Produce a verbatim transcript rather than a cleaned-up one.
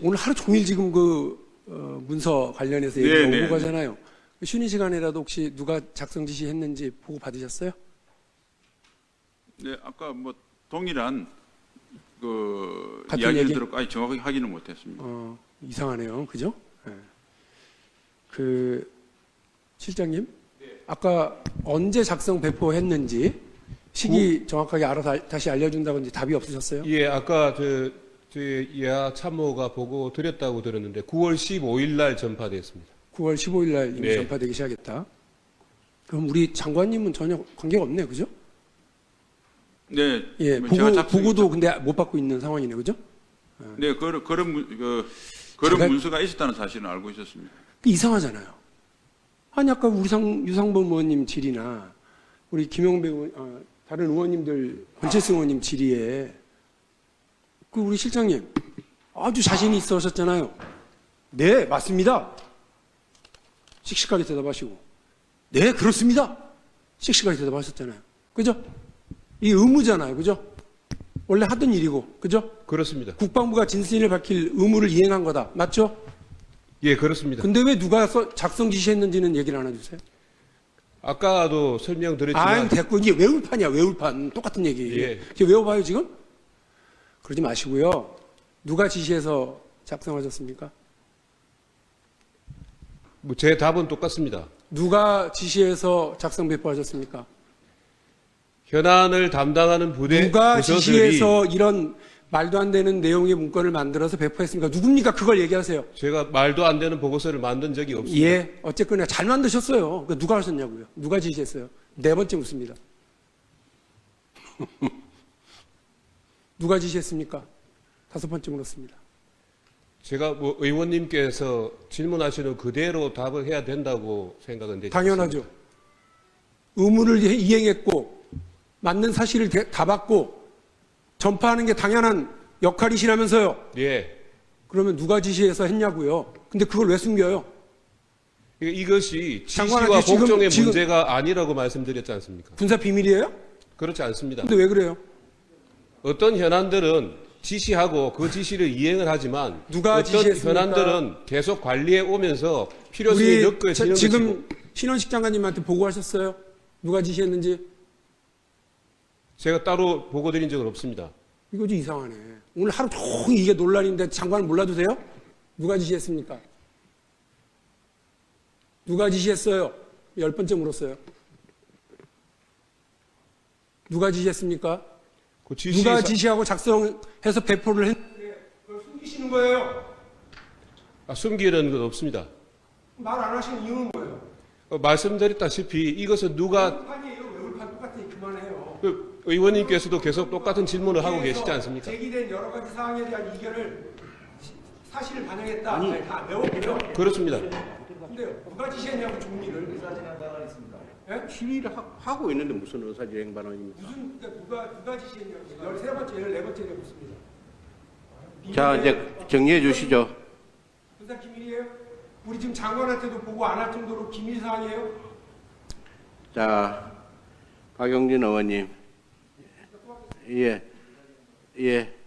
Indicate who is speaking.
Speaker 1: 오늘 하루 종일 지금 그 어, 문서 관련해서 얘기가
Speaker 2: 네,
Speaker 1: 오고
Speaker 2: 네.
Speaker 1: 가잖아요. 쉬는 시간에라도 혹시 누가 작성 지시했는지 보고 받으셨어요?
Speaker 2: 네, 아까 뭐 동일한 그
Speaker 1: 같은
Speaker 2: 이야기를
Speaker 1: 얘기?
Speaker 2: 들었고, 아니 정확하게 확인을 못했습니다.
Speaker 1: 어, 이상하네요. 그죠? 네. 그 실장님, 아까 언제 작성 배포했는지 시기 정확하게 알아서 다시 알려준다고 이제 답이 없으셨어요?
Speaker 3: 예, 아까 저, 저희 예하 참모가 보고 드렸다고 들었는데 구월 십오일 날 전파됐습니다.
Speaker 1: 구월 십오일 날 이미
Speaker 3: 네.
Speaker 1: 전파되기 시작했다. 그럼 우리 장관님은 전혀 관계가 없네요. 그죠?
Speaker 2: 네,
Speaker 1: 예,
Speaker 2: 뭐
Speaker 1: 보고,
Speaker 2: 제가 작성했죠.
Speaker 1: 보고도 근데 못 받고 있는 상황이네요. 그죠?
Speaker 2: 네, 그런 그런 문- 그 그런
Speaker 1: 제가-
Speaker 2: 문서가 있었다는 사실은 알고 있었습니다.
Speaker 1: 이상하잖아요. 아니 아까 우리 상, 유상범 의원님 질의나 우리 김영배 의원, 아, 다른 의원님들 권채승 의원님 질의에 그 우리 실장님 아주 자신이 있어 하셨잖아요. 네, 맞습니다. 씩씩하게 대답하시고 네, 그렇습니다. 씩씩하게 대답하셨잖아요. 그죠? 이 의무잖아요. 그죠? 원래 하던 일이고. 그죠?
Speaker 3: 그렇습니다.
Speaker 1: 국방부가 진실을 밝힐 의무를 이행한 거다. 맞죠?
Speaker 3: 예, 그렇습니다.
Speaker 1: 근데 왜 누가 써- 작성 지시했는지는 얘기를 안 해주세요?
Speaker 3: 아까도 설명드렸지만
Speaker 1: 아유, 됐고. 이게 외울판이야, 외울판. 똑같은 얘기.
Speaker 3: 예.
Speaker 1: 이게 외워봐요, 지금? 그러지 마시고요. 누가 지시해서 작성하셨습니까?
Speaker 3: 뭐 제 답은 똑같습니다.
Speaker 1: 누가 지시해서 작성 배포하셨습니까?
Speaker 3: 현안을 담당하는 부대
Speaker 1: 누가
Speaker 3: 부서들이
Speaker 1: 지시해서 이런 말도 안 되는 내용의 문건을 만들어서 배포했습니까? 누굽니까? 그걸 얘기하세요.
Speaker 3: 제가 말도 안 되는 보고서를 만든 적이 없습니다.
Speaker 1: 예, 어쨌거나 잘 만드셨어요. 그 누가 하셨냐고요? 누가 지시했어요? 네 번째 묻습니다. 누가 지시했습니까? 다섯 번째 물었습니다.
Speaker 3: 제가 뭐 의원님께서 질문하시는 그대로 답을 해야 된다고 생각은 되지
Speaker 1: 당연하죠.
Speaker 3: 않습니다.
Speaker 1: 의무를 이행했고 맞는 사실을 다 받고 전파하는 게 당연한 역할이시라면서요.
Speaker 3: 예.
Speaker 1: 그러면 누가 지시해서 했냐고요. 근데 그걸 왜 숨겨요?
Speaker 3: 이- 이것이
Speaker 1: 장관한테
Speaker 3: 지시와
Speaker 1: 지금-
Speaker 3: 복종의
Speaker 1: 지금-
Speaker 3: 문제가 아니라고 말씀드렸지 않습니까?
Speaker 1: 군사 비밀이에요?
Speaker 3: 그렇지 않습니다.
Speaker 1: 근데 왜 그래요?
Speaker 3: 어떤 현안들은 지시하고 그 지시를 이행을 하지만
Speaker 1: 누가
Speaker 3: 어떤
Speaker 1: 지시했습니까?
Speaker 3: 현안들은 계속 관리해 오면서 필요성이
Speaker 1: 우리
Speaker 3: 느껴지는
Speaker 1: 자- 지금
Speaker 3: 것이고
Speaker 1: 신원식 장관님한테 보고하셨어요? 누가 지시했는지?
Speaker 3: 제가 따로 보고 드린 적은 없습니다.
Speaker 1: 이거 좀 이상하네. 오늘 하루 종일 이게 논란인데 장관 몰라도 돼요? 누가 지시했습니까? 누가 지시했어요? 열 번째 물었어요. 누가 지시했습니까?
Speaker 3: 그 지시
Speaker 1: 누가 지시하고 작성해서 배포를 했는데 그걸 숨기시는 거예요?
Speaker 3: 아, 숨기는 건 없습니다.
Speaker 1: 말 안 하시는 이유는 뭐예요?
Speaker 3: 어, 말씀드렸다시피 이것은 누가
Speaker 1: 외울판이에요. 외울판 똑같으니 그만해요.
Speaker 3: 그 의원님께서도 계속 똑같은 질문을 하고 계시지 않습니까?
Speaker 1: 제기된 여러 가지 사항에 대한 이견을 시- 사실을 반영했다. 아니, 다 외웠고요.
Speaker 3: 그렇습니다.
Speaker 1: 근데 누가 지시했냐고 종리를. 예?
Speaker 4: 시위를 하, 하고 있는데 무슨 의사진행 발언입니까?
Speaker 1: 무슨 그러니까 누가 누가 지시했냐고. 열세 번째, 열네 번째 묻습니다.
Speaker 4: 자, 이제 정리해 주시죠.
Speaker 1: 군사 기밀이에요? 우리 지금 장관한테도 보고 안 할 정도로 기밀 사항이에요?
Speaker 4: 자, 박용진 의원님. 예, 예.